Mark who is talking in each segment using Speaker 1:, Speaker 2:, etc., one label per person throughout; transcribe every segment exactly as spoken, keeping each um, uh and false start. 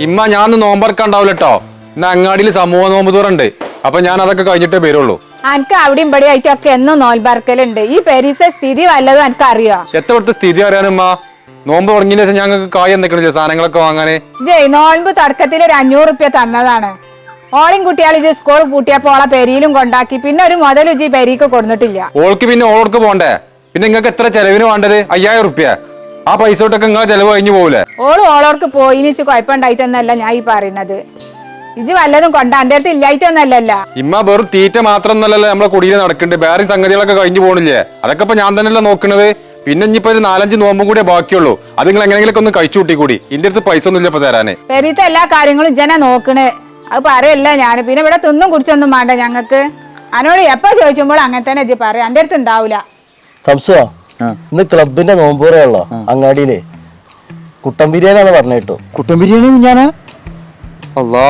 Speaker 1: ഇമ്മ ഞാനൊന്ന് നോമ്പറക്കാണ്ടാവില്ല കേട്ടോ. ഇന്ന് അങ്ങാടിയിൽ സമൂഹ നോമ്പ് തുറണ്ട്. അപ്പൊ ഞാൻ അതൊക്കെ കഴിഞ്ഞിട്ടേ വരുള്ളൂ.
Speaker 2: എനിക്ക് അവിടെയും ഇവിടെ ആയിട്ടൊക്കെ എന്നും നോൽബർക്കലുണ്ട്. ഈ പെരീസ സ്ഥിതി വല്ലതും എനിക്ക് അറിയോ?
Speaker 1: എത്രത്തെ സ്ഥിതി അറിയാനുമ്മ? നോമ്പ് തുടങ്ങിയ ശേഷം ഞങ്ങൾക്ക് കായ് എന്തൊക്കെ സാധനങ്ങളൊക്കെ വാങ്ങാന്.
Speaker 2: ജയ് നോൻപ് തുടക്കത്തിൽ ഒരു അഞ്ഞൂറ് റുപ്യ തന്നതാണ്. ഓളിയും കുട്ടിയാൾ ഇജ് സ്കൂൾ കൂട്ടിയപ്പോ ഓളെ പെരിയിലും കൊണ്ടാക്കി. പിന്നെ ഒരു മുതൽ ഇജ് പെരീക്ക് കൊടുത്തിട്ടില്ല.
Speaker 1: ഓൾക്ക് പിന്നെ ഓൾക്ക് പോണ്ടേ? പിന്നെ നിങ്ങൾക്ക് എത്ര ചെലവിന് വേണ്ടത്? അയ്യായിരം റുപ്യ. ആ പൈസ തൊട്ടൊക്കെ നിങ്ങൾ ചെലവ് കഴിഞ്ഞു പോകൂലേ?
Speaker 2: ഓള് ഓളോർക്ക് പോയിനിച്ച് കുഴപ്പമുണ്ടായിട്ടൊന്നല്ല ഞാൻ ഈ പറയുന്നത്. ഇജ് വല്ലതും കൊണ്ട എന്റെ അടുത്ത് ഇല്ലായിട്ടൊന്നല്ലല്ല.
Speaker 1: ഇമ്മ വെറും തീറ്റ മാത്രം ഒന്നല്ലല്ലോ നമ്മളെ കുടിയിൽ നടക്കുന്നുണ്ട്. വേറെ സംഗതികളൊക്കെ കഴിഞ്ഞു പോകണില്ലേ? അതൊക്കെ ഇപ്പൊ ഞാൻ തന്നെയല്ല നോക്കണത്. പിന്നെ ഇനിയിപ്പോ ഒരു നാലഞ്ച് നോമ്പും കൂടെ ബാക്കിയുള്ളൂ. അത് നിങ്ങൾ എങ്ങനെയെങ്കിലും ഒന്ന് കഴിച്ചു കൂട്ടി കൂടി. ഇന്റെ അടുത്ത് പൈസ ഒന്നും ഇല്ല ഇപ്പൊ തരാന്.
Speaker 2: പെരീത്തെ എല്ലാ കാര്യങ്ങളും ഇജനെ നോക്കണേ. അത് പറയല്ല ഞാൻ. പിന്നെ ഇവിടെ തിന്നും കുടിച്ചൊന്നും വേണ്ട ഞങ്ങക്ക്. അനോട് എപ്പോ ചോദിച്ചുമ്പോൾ അങ്ങനെ തന്നെ ഇജ്ജ് പറയാം. എന്റെ അടുത്ത് ഉണ്ടാവൂല.
Speaker 3: സംശയ ഇന്ന് ക്ലബിന്റെ നോമ്പൂറയുള്ളോ അങ്ങാടിയിലെ കുട്ടൻ ബിരിയാണിയാണ് പറഞ്ഞു കേട്ടോ.
Speaker 4: കുട്ടൻ ബിരിയാണി ഞാനാ അല്ലാ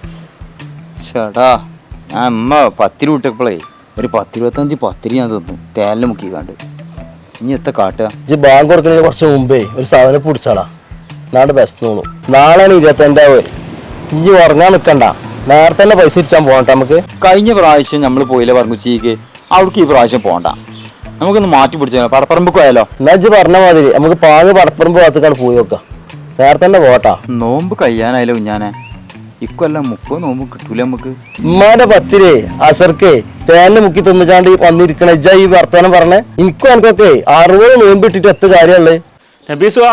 Speaker 4: ചേട്ടാ. ഞാൻ അമ്മ പത്തിരി വിട്ടപ്പോളേ ഒരു പത്തിരുപത്തഞ്ച് പത്തിരി ഞാൻ തിന്നു തേലിന് മുക്കി കണ്ട്. ഇനി എത്ര കാട്ടുക?
Speaker 3: ഇത് ബാങ്ക് കൊടുക്കുന്നതിന് കുറച്ച് മുമ്പേ ഒരു സാധനം പിടിച്ചാടാ. നാട് ബെസ്റ്റ് തോന്നും. നാളെയാണ് ഇരുപത്തഞ്ചാവ്. ഇനി ഉറങ്ങാൻ നിൽക്കണ്ട. നേരത്തെ തന്നെ പൈസ ഇരിച്ചാൻ പോകണ്ട. നമുക്ക്
Speaker 4: കഴിഞ്ഞ പ്രാവശ്യം നമ്മൾ പോയില്ല പറഞ്ഞു ചീക്ക്. അവിടേക്ക് ഈ പ്രാവശ്യം പോകണ്ട. നമുക്കൊന്ന് മാറ്റി പിടിച്ചാൽ പടപ്പറമ്പ് പോയാലോ?
Speaker 3: എന്നാ ഇജ്ജ് പറഞ്ഞ മാതിരി നമുക്ക് പാങ്ങ് പടപ്പറമ്പ് ഭാഗത്തേക്കാണ് പോയി നോക്കാം. നേരത്തെ തന്നെ പോട്ടാ.
Speaker 4: നോമ്പ് കഴിയാനായാലോ ഞാനെ. ഇക്കൊല്ലം മുപ്പത് നോമ്പ് കിട്ടൂല നമുക്ക്.
Speaker 3: ഉമ്മാന്റെ പത്തിരേ അസർക്കേ തേനില് മുക്കി തിന്നിച്ചാണ്ട് വന്നിരിക്കണ ഇജ്ജ ഈ വർത്തമാനം പറഞ്ഞേ. എനിക്കും എനിക്കൊക്കെ അറുപത് നോമ്പ് ഇട്ടിട്ട് എത്ര കാര്യമുള്ളത്.
Speaker 5: നബീസുവാ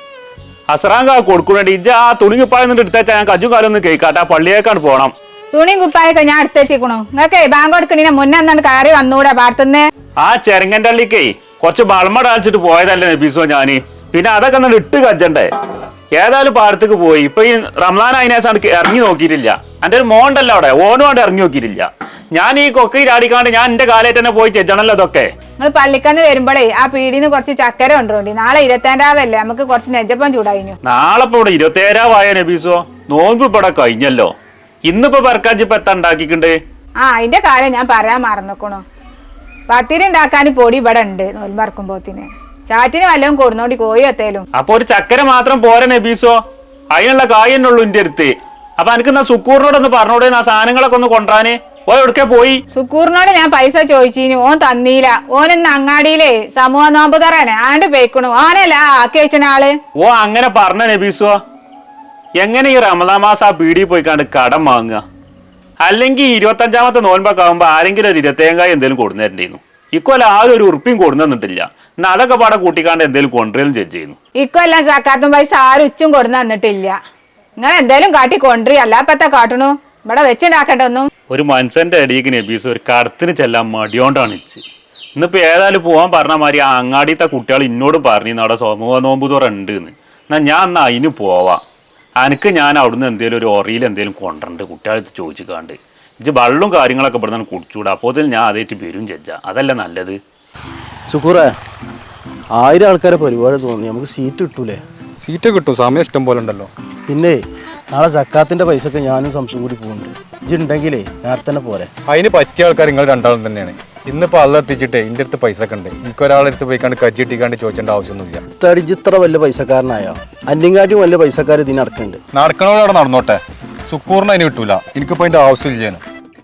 Speaker 5: അസറാങ്ക കൊടുക്കണേ. ഇജ്ജ ആ തുണിങ്ങിപ്പായ എടുത്തേച്ചാ ഞാൻ കജ്ജും കാലം ഒന്ന് കേൾക്കാട്ടെ. പള്ളിയേക്കാണ് പോണം.
Speaker 2: തുണിയും കുപ്പായൊക്കെ ഞാൻ എടുത്തേച്ചിക്കണു. നിങ്ങൾക്ക് ബാങ്ക് കൊടുക്കണീനെ മുന്നേ എന്നാണ് കയറി വന്നൂടെ പാടത്തുനിന്ന്.
Speaker 5: ആ ചെരങ്ങന്റെ അള്ളിക്കേ കുറച്ച് ബൾമ ഡാലിച്ചിട്ട് പോയതല്ലേ നബീസുവാ ഞാന്. പിന്നെ അതൊക്കെ ഒന്ന് ഇട്ട് കജ്ജണ്ടേ. ഏതായാലും പാടത്തേക്ക് പോയി. ഇപ്പൊ ഈ റംസാൻ അതിനേസാണ് ഇറങ്ങി നോക്കിയിട്ടില്ല. എന്റെ ഒരു മോണ്ടല്ലോ അവിടെ ഓനും കൊണ്ട് ഇറങ്ങി നോക്കിയിട്ടില്ല. ഞാൻ ഈ കൊക്കയിൽ ആടിക്കാണ്ട് ഞാൻ എന്റെ കാലത്ത് തന്നെ പോയി ചെച്ചണല്ലോ ഇതൊക്കെ.
Speaker 2: നിങ്ങൾ പള്ളിക്കന്ന് വരുമ്പോഴേ ആ പീടിന്ന് കുറച്ച് ചക്കര കൊണ്ടുപോണ്ടി. നാളെ ഇരുപത്തേഴാവല്ലേ, നമുക്ക് കുറച്ച് നെജപ്പം ചൂടായിനു.
Speaker 5: നാളെ ഇപ്പൊ ഇവിടെ ഇരുപത്തേഴാവായ നബീസോ. നോമ്പ് ഇപ്പൊ ഇവിടെ കഴിഞ്ഞല്ലോ. ഇന്നിപ്പോ പെർക്കാഞ്ചിപ്പോ എത്താ ഉണ്ടാക്കിക്കണ്ടേ?
Speaker 2: ആ അതിന്റെ കാര്യം ഞാൻ പറയാൻ മറന്നിക്കണു. പത്തിരി ഉണ്ടാക്കാൻ പൊടി ഇവിടെ ഉണ്ട്. നോൽമറക്കുമ്പോത്തിന് ചാറ്റിന് വല്ലതും കൊടുന്നോണ്ടി കോഴി എത്തേലും.
Speaker 5: അപ്പൊ ഒരു ചക്കര മാത്രം പോരെ നബീസോ? അതിനുള്ള കായ് തന്നെ ഉള്ളു എന്റെ അടുത്ത്. അപ്പൊ എനിക്ക് എന്നാ സുക്കൂറിനോടൊന്ന് പറഞ്ഞോടെ ആ സാധനങ്ങളൊക്കെ ഒന്ന് കൊണ്ടുവരാന്. ഓ എവിടക്കെ പോയി?
Speaker 2: സുക്കൂറിനോട് ഞാൻ പൈസ ചോദിച്ചിന്. ഓൻ തന്നീല. ഓനിന്ന് അങ്ങാടിയിലെ സമൂഹ നോമ്പ് തറാനെ ആണ്ട് പേക്കണു. ഓനല്ല ആക്കി വെച്ച ആള്.
Speaker 5: ഓ അങ്ങനെ പറഞ്ഞ നബീസോ. എങ്ങനെ ഈ റമദാൻ മാസം ആ പീടിയിൽ പോയിക്കാണ്ട് കടം വാങ്ങുക? അല്ലെങ്കിൽ ഇരുപത്തഞ്ചാമത്തെ നോൻപൊക്കെ ആകുമ്പോ ആരെങ്കിലും ഒരു ഇരുപത്തേഴായി എന്തെങ്കിലും കൊടുന്നേരണ്ടേന്നു. ഇക്കൊല്ലം ആരും ഒരു ഉറുപ്പിയും കൊടുന്നിട്ടില്ല. എന്നാ അതൊക്കെ പാടെ കൂട്ടിക്കാണ്ട് എന്തെങ്കിലും കൊണ്ടുവരും ജഡ്ജ് ചെയ്യുന്നു.
Speaker 2: ഇക്കൊല്ലം സക്കാത്തും പൈസ ആരും ഉച്ചും കൊടുന്ന് തന്നിട്ടില്ല. നിങ്ങൾ എന്തേലും കാട്ടി കൊണ്ടുവരി. അല്ലാപ്പത്തെ കാട്ടണു ഇവിടെ വെച്ചുണ്ടാക്കട്ടെ ഒന്നും.
Speaker 5: ഒരു മനുഷ്യന്റെ അടിയേക്ക് നബീസ് ഒരു കടത്തിന് ചെല്ലാൻ മടിയോണ്ടാണ് ഇച്ച്. ഇന്നിപ്പോ ഏതായാലും പോവാൻ പറഞ്ഞ മാതിരി ആ അങ്ങാടിയത്തെ കുട്ടികൾ ഇന്നോട് പറഞ്ഞു അവിടെ സമൂഹ നോമ്പ് തുറ ഉണ്ട് എന്ന്. എന്നാ ഞാൻ എന്നാ അതിന് പോവാം. എനിക്ക് ഞാൻ അവിടുന്ന് എന്തേലും ഒരു ഒറിയിൽ എന്തേലും കൊണ്ടുണ്ട് കുട്ടികളടുത്ത് ചോദിച്ചിക്കാണ്ട്. ഇത് വെള്ളവും കാര്യങ്ങളൊക്കെ ഇവിടെ നിന്ന് കുടിച്ചുകൂടാ. അപ്പോൾ ഞാൻ അതേറ്റ് വരും ജഡ്ജ. അതല്ല നല്ലത്.
Speaker 3: സുക്കൂറേ ആയിരം ആൾക്കാരെ പരിപാടി തോന്നി. നമുക്ക് സീറ്റ് കിട്ടൂലേ?
Speaker 1: സീറ്റ് കിട്ടും. സമയം ഇഷ്ടം പോലെ ഉണ്ടല്ലോ.
Speaker 3: പിന്നെ നാളെ സക്കാത്തിന്റെ പൈസ ഒക്കെ ഞാനും സംശയം കൂടി പോകുന്നുണ്ട്. ഇജ്ജുണ്ടെങ്കിലേ നേരത്തെ തന്നെ പോരെ.
Speaker 1: അതിന് പറ്റിയ ആൾക്കാർ നിങ്ങൾ രണ്ടാളും തന്നെയാണ്. ഇന്നിപ്പോ അള്ള എത്തിച്ചിട്ടേ എന്റെ അടുത്ത് പൈസ ഒക്കെ ഉണ്ട്. എനിക്ക് ഒരാളെടുത്ത് പോയിക്കാണ്ട് കജ്ജി ഇട്ടിക്കാണ്ട് ചോദിക്കേണ്ട ആവശ്യമൊന്നുമില്ല.
Speaker 3: തടിജ് ഇത്ര വലിയ പൈസക്കാരനായോ? അന്നിങ്ങാട്ടും വലിയ പൈസക്കാർ ഇതിന് നടക്കുന്നുണ്ട്.
Speaker 1: നടക്കണോടെ നടന്നോട്ടെ. സുക്കൂറിന് അതിന് കിട്ടൂല. എനിക്കിപ്പോ അതിന്റെ ആവശ്യമില്ല.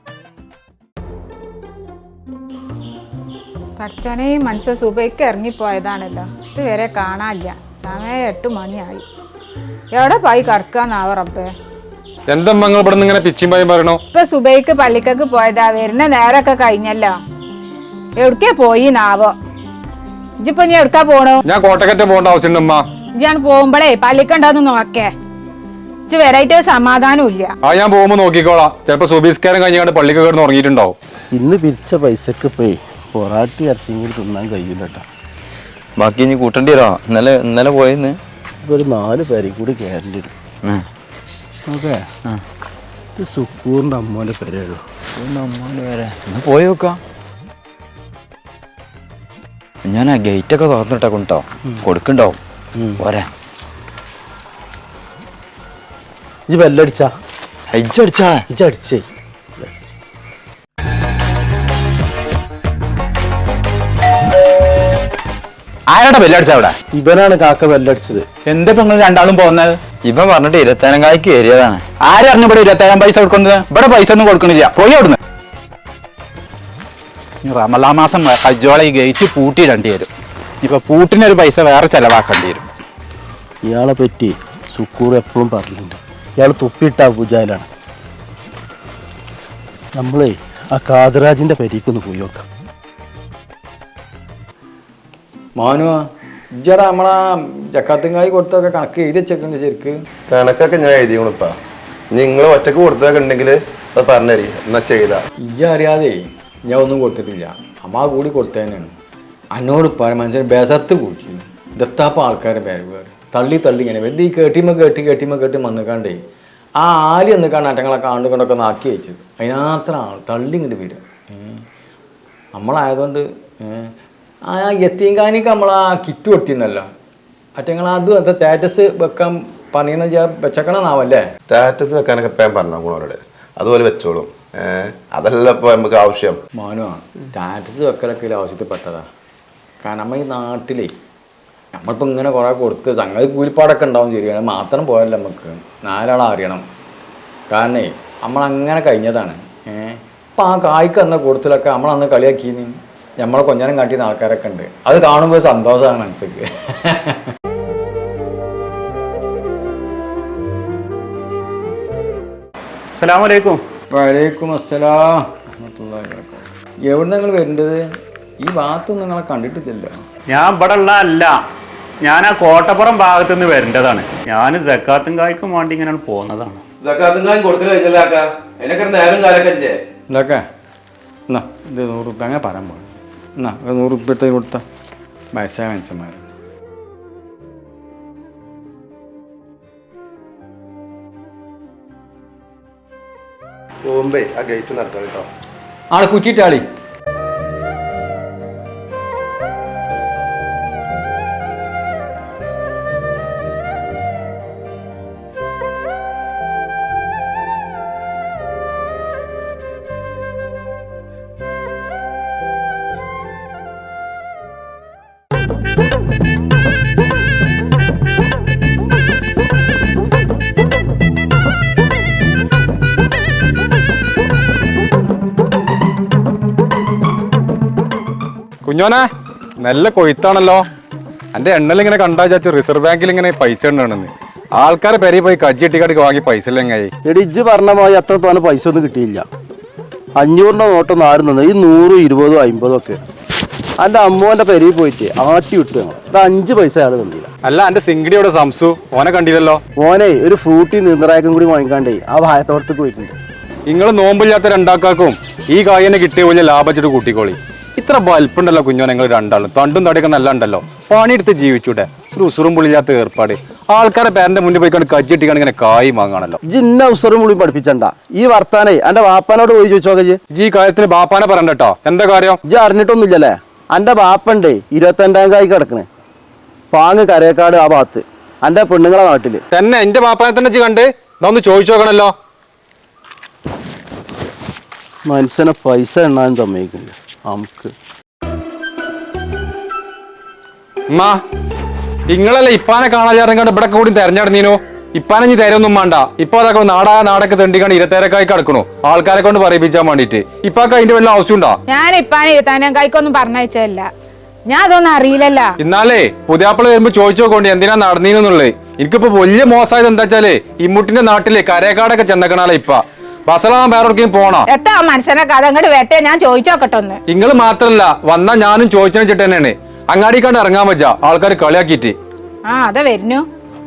Speaker 2: പഠിച്ചോനെ മനസ്സ് സുബൈക്ക് ഇറങ്ങിപ്പോയതാണല്ലോ. ഇതുവരെ കാണാനില്ല. സമയം എട്ട് മണിയായി. എവിടെ പോയി കറക്കാന്നാവ റബ്ബേ.
Speaker 1: എന്താ നിങ്ങൾ ഇവിടെ നിന്ന് ഇങ്ങനെ പിച്ചിയും പായും പറയണോ?
Speaker 2: ഇപ്പൊ സുബൈക്ക് പള്ളിക്കൊക്കെ പോയതാ. വരുന്ന നേരൊക്കെ കഴിഞ്ഞല്ലോ. എവിടക്കേ പോയി നാവോ. ഇജിപ്പൊ നീ എവിടക്കാ പോണു?
Speaker 1: ഞാൻ കോട്ടക്കറ്റ പോകേണ്ട ആവശ്യമുണ്ട് ഉമ്മ.
Speaker 2: ഇജാണ് പോകുമ്പോഴേ പള്ളിക്കുണ്ടോന്ന് നോക്കേ. ഇജ് വരായിട്ട് സമാധാനം ഇല്ല.
Speaker 1: ആ ഞാൻ പോകുമ്പോ നോക്കിക്കോളാം. ചിലപ്പോ സുബീസ്കാരം കഴിഞ്ഞാണ്ട് പള്ളിക്ക് കിടന്ന് ഉറങ്ങിയിട്ടുണ്ടാവും.
Speaker 3: ഇന്ന് പിരിച്ച പൈസക്ക് പോയി പൊറാട്ടി ഇറച്ചിയും തിന്നാൻ കഴിയില്ല കേട്ടോ.
Speaker 4: ബാക്കി ഇനി കൂട്ടേണ്ടി വരാ. ഇന്നലെ ഇന്നലെ പോയെന്ന്
Speaker 3: ഇപ്പൊ ഒരു നാല് പേരും കൂടി കയറേണ്ടി വരും. ഓക്കെ. ഇത് സുക്കൂറിന്റെ അമ്മോന്റെ പേരുള്ളൂ.
Speaker 4: അമ്മോന്റെ പേരെ ഒന്ന് പോയി നോക്കാം. ഞാൻ ആ ഗേറ്റൊക്കെ തുറന്നിട്ടാ കൊണ്ടോ കൊടുക്കണ്ടാവും. പോരാ
Speaker 3: ഇജ്ജ് ബെല്ലടിച്ചാ?
Speaker 4: അടിച്ചടിച്ചാ
Speaker 3: ഇജ്ജടിച്ചേ.
Speaker 4: ആരാടാ ബെല്ലടിച്ച അവിടെ?
Speaker 3: ഇവനാണ് കാക്ക ബെല്ലടിച്ചത്.
Speaker 4: എന്താ ഇപ്പൊ നിങ്ങൾ രണ്ടാളും പോകുന്നത്? ഇവൻ പറഞ്ഞിട്ട് ഇരുപത്തേഴാം കായ്ക്ക് കയറിയതാണ്. ആരറിഞ്ഞു ഇവിടെ ഇരുപത്തേഴാം പൈസ കൊടുക്കുന്നത്? ഇവിടെ പൈസ ഒന്നും കൊടുക്കണില്ല, പോയി അവിടുന്ന്. റമലാ മാസം കജ്ജോളെ ഈ ഗേറ്റ് പൂട്ടിയിടേണ്ടി വരും. ഇപ്പൊ പൂട്ടിനൊരു പൈസ വേറെ ചെലവാക്കേണ്ടി വരും.
Speaker 3: ഇയാളെ പറ്റി സുക്കൂർ എപ്പോഴും പറഞ്ഞിട്ടുണ്ട്, ഇയാൾ തുപ്പിയിട്ട പൂജയിലാണ്. നമ്മളേ ആ കാതറാജിന്റെ പരിക്കൊന്ന് പോയി നോക്കാം.
Speaker 6: മാനുവാ ഇജ്ജറ നമ്മളാ ജക്കാത്തുങ്കായി കൊടുത്തൊക്കെ കണക്ക് എഴുതി വെച്ചേക്കുന്നുണ്ട് ശരിക്ക്.
Speaker 7: കണക്കൊക്കെ ഞാൻ എഴുതിയോണിപ്പാ. നിങ്ങൾ ഒറ്റക്ക് കൊടുത്തൊക്കെ ഉണ്ടെങ്കിൽ അത് പറഞ്ഞരി എന്നാ ചെയ്താ.
Speaker 6: ഇജ്ജ അറിയാതെ ഞാൻ ഒന്നും കൊടുത്തിട്ടില്ല, അമ്മ കൂടി കൊടുത്തതന്നെയാണ്. എന്നോട് പറ മനുഷ്യൻ ബേസത്ത് കുടിച്ചു ദത്താപ്പ ആൾക്കാരെ പേര് വേറെ തള്ളി തള്ളി ഇങ്ങനെ വെറുതെ ഈ കേട്ടിമ കേട്ടി കേട്ടിമ കേട്ടി വന്നിക്കാണ്ടേ ആ ആലി എന്നിക്കാണ്ട് അറ്റങ്ങളെ കാണ്ട് കൊണ്ടൊക്കെ നാക്കി വെച്ചത്. അതിനത്ര ആൾ തള്ളി ഇങ്ങോട്ട് വരിക. നമ്മളായതുകൊണ്ട് ആ എത്തിയങ്കാനിക്ക് നമ്മൾ ആ കിറ്റ് പൊട്ടിയെന്നല്ല അറ്റങ്ങൾ അത് എന്താ സ്റ്റാറ്റസ് വെക്കാൻ പറയുന്ന വെച്ചക്കണമെന്നാവല്ലേ.
Speaker 7: സ്റ്റാറ്റസ് വെക്കാനൊക്കെ ഇപ്പം പറഞ്ഞോ ഗുണവരോട്, അതുപോലെ വെച്ചോളും. ഏഹ് അതല്ല ഇപ്പൊ നമുക്ക് ആവശ്യം.
Speaker 6: മാനുവാ സ്റ്റാറ്റസ് വെക്കലൊക്കെ ആവശ്യത്തിൽ പെട്ടതാ. കാരണം നമ്മൾ ഈ നാട്ടിലേ നമ്മളിപ്പോൾ ഇങ്ങനെ കുറേ കൊടുത്ത് സംഗതി കൂലിപ്പാടൊക്കെ ഉണ്ടാവും ശരിയാണ്, മാത്രം പോയല്ല നമുക്ക് നാലാളെ അറിയണം. കാരണേ നമ്മളങ്ങനെ കഴിഞ്ഞതാണ്. ഏഹ് അപ്പം ആ കായ്ക്ക് അന്ന കൊടുത്തിലൊക്കെ നമ്മളന്ന് കളിയാക്കിന്ന് നമ്മളെ കൊഞ്ഞാനം കാട്ടിയ ആൾക്കാരൊക്കെ ഉണ്ട്. അത് കാണുമ്പോൾ സന്തോഷമാണ് മനസ്സിക്ക്.
Speaker 5: അസ്സലാമു അലൈക്കും.
Speaker 6: വലൈക്കും അസ്സലാം. എവിടെ നിങ്ങൾ വരേണ്ടത്? ഈ ഭാഗത്തൊന്നും നിങ്ങളെ കണ്ടിട്ടില്ല.
Speaker 5: ഞാൻ ഇവിടെ ഉള്ള അല്ല, ഞാൻ ആ കോട്ടപ്പുറം ഭാഗത്തു നിന്ന് വരേണ്ടതാണ്. ഞാൻ സക്കാത്തും കായ്ക്കും വേണ്ടി ഇങ്ങനെ പോകുന്നതാണ്.
Speaker 6: ഇതൊക്കെ എന്നാ ഇത് നൂറ് റുപ്യ അങ്ങനെ പറയാൻ പോകും. എന്നാ നൂറ് റുപ്യ എടുത്ത് കൊടുത്ത വയസ്സായ മനുഷ്യന്മാർ.
Speaker 7: പോകുമ്പേ ആ ഗേറ്റ് നടക്കാം കേട്ടോ.
Speaker 6: ആളെ കുറ്റിയിട്ടാളി.
Speaker 1: കുഞ്ഞോനെ നല്ല കൊയ്ത്താണല്ലോ. എൻ്റെ എണ്ണൽ ഇങ്ങനെ കണ്ടാ ചാച്ചു റിസർവ് ബാങ്കിൽ ഇങ്ങനെ പൈസ ഉണ്ടെന്ന് ആൾക്കാരെ പെരി പോയി കജ്ജിട്ടിക്കാടിക്ക് വാങ്ങി പൈസ ഇല്ലെങ്ങായി.
Speaker 3: എടി ഇജ്ജ് പറഞ്ഞ പോലെ അത്ര തോന്നെ പൈസ ഒന്നും കിട്ടിയില്ല. അഞ്ഞൂറിൻ്റെ നോട്ടൊന്നും ആരും തന്നെ, ഈ നൂറും ഇരുപതും അമ്പതും ഒക്കെ എൻ്റെ അമ്മോൻ്റെ പെരിയിൽ പോയിട്ട് ആട്ടി വിട്ടു. ഞങ്ങൾ ഇത് അഞ്ച് പൈസ അയാൾ കണ്ടില്ല.
Speaker 1: അല്ല എൻ്റെ സിംഗടിയോടെ സംസു ഓനെ കണ്ടില്ലല്ലോ.
Speaker 3: ഓനെ ഒരു ഫ്രൂട്ടി നീന്തറായക്കും കൂടി വാങ്ങിക്കാണ്ടേ ആ വായത്തോട്ടത്തേക്ക് പോയിട്ടുണ്ട്.
Speaker 1: നിങ്ങൾ നോമ്പില്ലാത്ത രണ്ടാക്കാക്കും ഈ കായനെ കിട്ടിയ വലിയ ലാഭിച്ചിട്ട് കൂട്ടിക്കോളി. ഇത്ര വലിപ്പുണ്ടല്ലോ കുഞ്ഞോ നിങ്ങൾ രണ്ടാളും, തണ്ടും തടിയൊക്കെ നല്ല ഉണ്ടല്ലോ. പണിയെടുത്ത് ജീവിച്ചൂടെ? ഒരു ഉസുറും പുളില്ലാത്ത ഏർപ്പാട്. ആൾക്കാരെ പേരന്റെ മുന്നിൽ പോയി കണ്ട് കജ്ജിട്ടിക്കാണ് ഇങ്ങനെ കായ് വാങ്ങാണല്ലോ.
Speaker 3: ജിന്ന ഉസറും പുളി പഠിപ്പിച്ചണ്ട ഈ വർത്താനേ എന്റെ ബാപ്പാനോട് പോയി ചോദിച്ചോക്കെ.
Speaker 1: ജി കാര്യത്തിന് ബാപ്പാനെ പറയണ്ടോ. എന്താ കാര്യം?
Speaker 3: ഇജ്ജ് അറിഞ്ഞിട്ടൊന്നുമില്ലല്ലേ? എന്റെ ബാപ്പണ്ടേ ഇരുപത്തഞ്ചാം കായ് കിടക്കണേ പാങ്ങ് കരേക്കാട് ആ ഭാഗത്ത് എന്റെ പെണ്ണുങ്ങളെ നാട്ടില്
Speaker 1: തന്നെ. എന്റെ ബാപ്പാനെ തന്നെ ജി കണ്ട് ഇതൊന്ന് ചോദിച്ചു നോക്കണല്ലോ.
Speaker 3: മനുഷ്യനെ പൈസ എണ്ണാൻ സമ്മതിക്കില്ല നമുക്ക്.
Speaker 1: ഉമ്മാ നിങ്ങളല്ലേ ഇപ്പാനെ കാണാൻ ഇവിടെ കൂടി തെരഞ്ഞെടുന്നീനോ? ഇപ്പാനെ ഇനി തരൊന്നും വേണ്ട. ഇപ്പൊ അതൊക്കെ നാടാ നാടൊക്കെ തെണ്ടിക്കാണ്ട് ഇരുത്തേരക്കായി കിടക്കണോ ആൾക്കാരെ കൊണ്ട് പറയിപ്പിച്ചാൻ വേണ്ടിട്ട്. ഇപ്പൊക്കെ അതിന്റെ വല്ല ആവശ്യമുണ്ടോ?
Speaker 2: ഞാൻ ഇപ്പാനെ ഇരുത്താനും കായ്ക്കൊന്നും പറഞ്ഞയച്ചതല്ല, ഞാൻ അതൊന്നും അറിയില്ലല്ല.
Speaker 1: ഇന്നാലേ പുതിയാപ്പിള വരുമ്പോ ചോദിച്ചു നോക്കോണ്ടി എന്തിനാ നടന്നീന്നുള്ളത്. എനിക്കിപ്പോ വലിയ മോശമായത് എന്താ വെച്ചാല് ഇമ്മുട്ടിന്റെ നാട്ടിലെ കരേക്കാടൊക്കെ ചെന്നക്കണാലേ ഇപ്പ ബസലാൻ വേറെവിടേക്കും പോണോ?
Speaker 2: എട്ടാ മനസ്സിനെ കഥ അങ്ങോട്ട് വെട്ടെ, ഞാൻ ചോദിച്ചോക്കട്ടെ ഒന്ന്.
Speaker 1: നിങ്ങൾ മാത്രല്ല വന്നാ ഞാനും ചോദിച്ചു വെച്ചിട്ട് തന്നെയാണ്. അങ്ങാടി കണ്ട് ഇറങ്ങാൻ പറ്റാ ആൾക്കാർ കളിയാക്കിട്ട്.
Speaker 2: ആ അതെ വരുന്നു.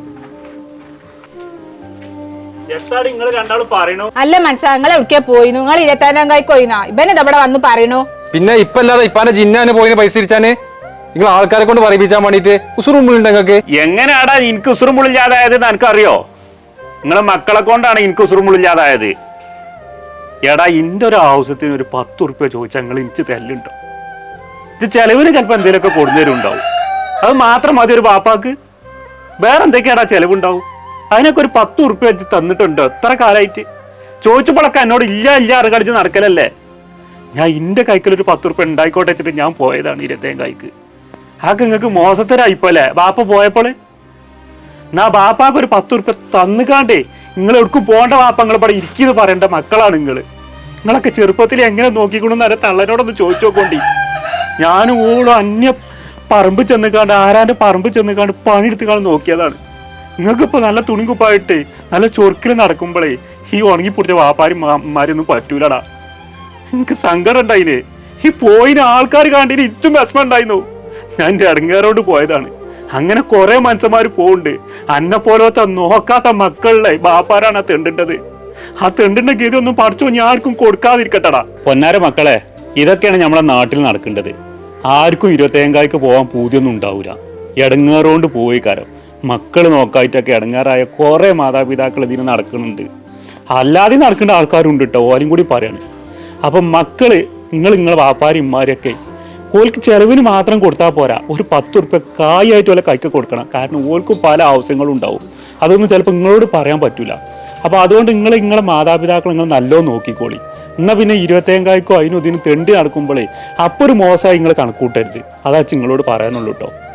Speaker 2: അല്ല മനസ്സിലാ നിങ്ങൾ എവിടേക്കാ പോയിന്നു? നിങ്ങൾ ഇരുപത്താനാം കായ്ക്ക് പോയിന്നാ ഇവനെ ഇവിടെ വന്ന് പറയണു.
Speaker 1: പിന്നെ ഇപ്പൊ അല്ലാതെ ഇപ്പാന്റെ ജിന്നാന് പോയിന് പൈസ തിരിച്ചാന് നിങ്ങൾ ആൾക്കാരെ കൊണ്ട് പറയിപ്പിച്ചാൻ വേണ്ടിട്ട് ഉസുറുമ്പുണ്ട് നിങ്ങൾക്ക്.
Speaker 5: എങ്ങനെയാടാ എനിക്ക് ഉസുറുമുള്ളില്ലാതായത് എനിക്കറിയോ? നിങ്ങളെ മക്കളെ കൊണ്ടാണ് എനിക്ക് ഉസുറുമുള്ളില്ലാതായത്. എടാ ഇന്റെ ഒരു ആവശ്യത്തിന് ഒരു പത്ത് ഉറുപ്പ്യ ചോദിച്ചാൽ നിങ്ങൾ എനിക്ക് തെല്ലുണ്ടോ? ഇത് ചെലവിന് ചിലപ്പോൾ എന്തെങ്കിലുമൊക്കെ കൊടുന്നേരുണ്ടാവും. അത് മാത്രം മതി ഒരു ബാപ്പാക്ക്. വേറെ എന്തൊക്കെയാടാ ചെലവുണ്ടാവും? അതിനൊക്കെ ഒരു പത്ത് ഉറുപ്പ്യ വെച്ച് തന്നിട്ടുണ്ടോ എത്ര കാലമായിട്ട്? ചോദിച്ചപ്പോഴൊക്കെ എന്നോട് ഇല്ല ഇല്ല അത് കളിച്ച് നടക്കലല്ലേ. ഞാൻ ഇന്റെ കൈക്കലൊരു പത്ത് ഉറുപ്പ്യ ഉണ്ടായിക്കോട്ടെ വെച്ചിട്ട് ഞാൻ പോയതാണ് ഇരുപത്തേം കായ്ക്ക്. ആക്ക് നിങ്ങൾക്ക് മോശത്തരായിപ്പോലെ ബാപ്പ പോയപ്പോൾ എന്നാ ബാപ്പാക്ക് ഒരു പത്ത് ഉറുപ്പ്യ തന്നുകാണ്ടേ നിങ്ങൾ എവിടേക്കും പോകേണ്ട വാപ്പ നിങ്ങൾ ഇവിടെ ഇരിക്കുന്നു പറയേണ്ട മക്കളാണ് നിങ്ങൾ. നിങ്ങളൊക്കെ ചെറുപ്പത്തിൽ എങ്ങനെ നോക്കിക്കൊണ്ടെന്ന് അരെ തള്ളനോടൊന്ന് ചോദിച്ചു നോക്കോണ്ടി. ഞാനും ഓളും അന്യ പറമ്പ് ചെന്നുകാണ്ട് ആരാന്റെ പറമ്പ് ചെന്നുകാണ്ട് പണിയെടുത്തുകാണ്ട് നോക്കിയതാണ്. നിങ്ങൾക്കിപ്പോൾ നല്ല തുണിക്കുപ്പായിട്ട് നല്ല ചൊറുക്കിൽ നടക്കുമ്പോഴേ ഈ ഉണങ്ങി പൊടിച്ച വാപ്പാരും മാമാരൊന്നും പറ്റൂലടാ. എനിക്ക് സങ്കടം ഉണ്ടായില്ലേ. ഈ പോയിന് ആൾക്കാർ കണ്ടിന് ഇറ്റും വിഷമം ഉണ്ടായിരുന്നു. ഞാൻ എൻ്റെ ഇടങ്ങേറോട് പോയതാണ്. അങ്ങനെ കുറെ മനുഷ്യന്മാർ പോകുന്നുണ്ട്. അന്നെ പോലത്തെ നോക്കാത്ത മക്കളിലെ ബാപ്പാരാണ് ആ തെണ്ടിട്ടത്. ആ തെണ്ടിന്റെ ഗതി ഒന്നും പഠിച്ചോ ഞാൻ ആർക്കും കൊടുക്കാതിരിക്കട്ടടാ. പൊന്നാര മക്കളെ, ഇതൊക്കെയാണ് നമ്മളെ നാട്ടിൽ നടക്കേണ്ടത്. ആർക്കും ഇരുപത്തേങ്കായ്ക്ക് പോകാൻ പൂതിയൊന്നും ഉണ്ടാവില്ല. ഇടങ്ങേറോണ്ട് പോയി കാരം മക്കൾ നോക്കായിട്ടൊക്കെ ഇടങ്ങാറായ കുറെ മാതാപിതാക്കൾ ഇതിന് നടക്കുന്നുണ്ട്. അല്ലാതെ നടക്കേണ്ട ആൾക്കാരുണ്ട് കേട്ടോ, ഓരും കൂടി പറയാണ്. അപ്പം മക്കള് നിങ്ങൾ നിങ്ങളെ വാപ്പാരും ഇമ്മാരൊക്കെ ഓൾക്ക് ചെലവിന് മാത്രം കൊടുത്താൽ പോരാ, ഒരു പത്ത് ഉറുപ്പ്യ കായായിട്ട് വല്ല കൈക്ക് കൊടുക്കണം. കാരണം ഓൾക്കും പല ആവശ്യങ്ങളും ഉണ്ടാവും. അതൊന്നും ചിലപ്പോൾ നിങ്ങളോട് പറയാൻ പറ്റൂല. അപ്പൊ അതുകൊണ്ട് നിങ്ങൾ നിങ്ങളെ മാതാപിതാക്കൾ നിങ്ങൾ നല്ലോണം നോക്കിക്കോളി. എന്നാൽ പിന്നെ ഇരുപത്തേങ്കായ്ക്കോ അതിനും ഇതിനും തെണ്ടി നടക്കുമ്പോഴേ അപ്പോൾ ഒരു മോശമായി നിങ്ങൾ കണക്കൂട്ടരുത്. അതാ നിങ്ങളോട് പറയാനുള്ളൂ കേട്ടോ.